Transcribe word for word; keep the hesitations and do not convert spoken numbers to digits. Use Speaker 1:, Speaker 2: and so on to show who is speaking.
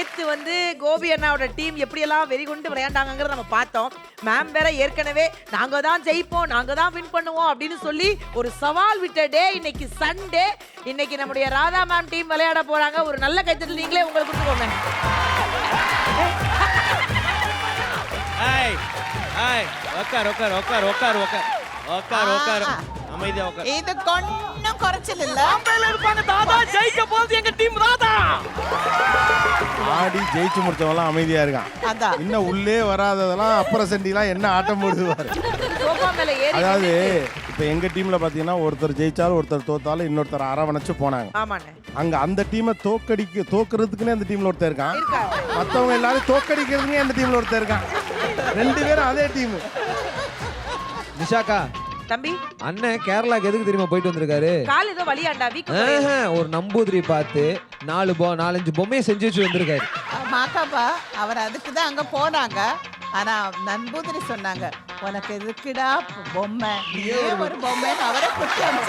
Speaker 1: நேத்து வந்து கோபி அண்ணாவோட டீம் எப்படியெல்லாம் வெறிகுண்டு விளையாண்டாங்கிறத நம்ம பார்த்தோம். மேம் வேற ஏற்கனவே நாங்க தான் ஜெயிப்போம், நாங்க தான் வின் பண்ணுவோம் அப்படின்னு சொல்லி ஒரு சவால் விட்ட டே இன்னைக்கு சண்டே. இன்னைக்கு நம்முடைய ராதா மேம் டீம் விளையாட போறாங்க. ஒரு நல்ல கைத்தட்டல் நீங்களே உங்களுக்கு கொடுத்துக்கோங்க.
Speaker 2: ஹாய் ஹாய் உட்கார் உட்கார் உட்கார் உட்கார் உட்கார் உட்கார் உட்கார் அமைதியா உட்கார்.
Speaker 3: இது கொஞ்சம் குறைச்சல் இல்ல.
Speaker 2: பாம்பேல இருப்பாங்க தாதா, ஜெயிக்க போறது எங்க டீம் ராதா.
Speaker 4: ஆடி ஜெயிச்சு முடிச்சவங்களாம் அமைதியா இருக்கான்.
Speaker 3: அதான்
Speaker 4: இன்னும் உள்ளே வராததெல்லாம் அப்புறம் செண்டிலாம் என்ன ஆட்டம் போடுவாரு.
Speaker 1: சோஃபா மேல ஏறி
Speaker 4: அதாவது இப்ப எங்க டீம்ல பாத்தீங்கன்னா ஒருத்தர் ஜெயிச்சாலும் ஒருத்தர் தோத்தாலும் இன்னொருத்தர் அரவணைச்சு போனாங்க.
Speaker 1: ஆமாண்ணே
Speaker 4: அங்க அந்த டீமை தோக்கடிக்க தோக்குறதுக்குன்னே அந்த டீம்ல ஒருத்தர் இருக்கான்.
Speaker 1: இருக்காங்க.
Speaker 4: மத்தவங்க எல்லாரும் தோக்கடிக்கிறதுக்கே அந்த டீம்ல ஒருத்தர் இருக்கான். ரெண்டு பேரும் அதே டீம்.
Speaker 5: நிஷாக்கா
Speaker 1: தம்பி
Speaker 5: அண்ணன் கேரளாக்கு எதுக்கு தெரியுமா போயிட்டு வந்திருக்காரு?
Speaker 1: கால் ஏதோ வலியாண்டா வீக்
Speaker 5: ஆஹா, ஒரு நம்பூதிரி பார்த்து நாலு பொ நாலஞ்சு பொம்மையை செஞ்சு வச்சு வந்திருக்காரு.
Speaker 3: மாக்காப்பா அவர் அதுக்கு தான் அங்க போனாங்க. ஆனா நண்பூதிரி சொன்னாங்க, உனக்கு எதுக்குடா பொம்மை, நீயே ஒரு பொம்மைன்னு அவரை குத்தி அனுப்பிச்சு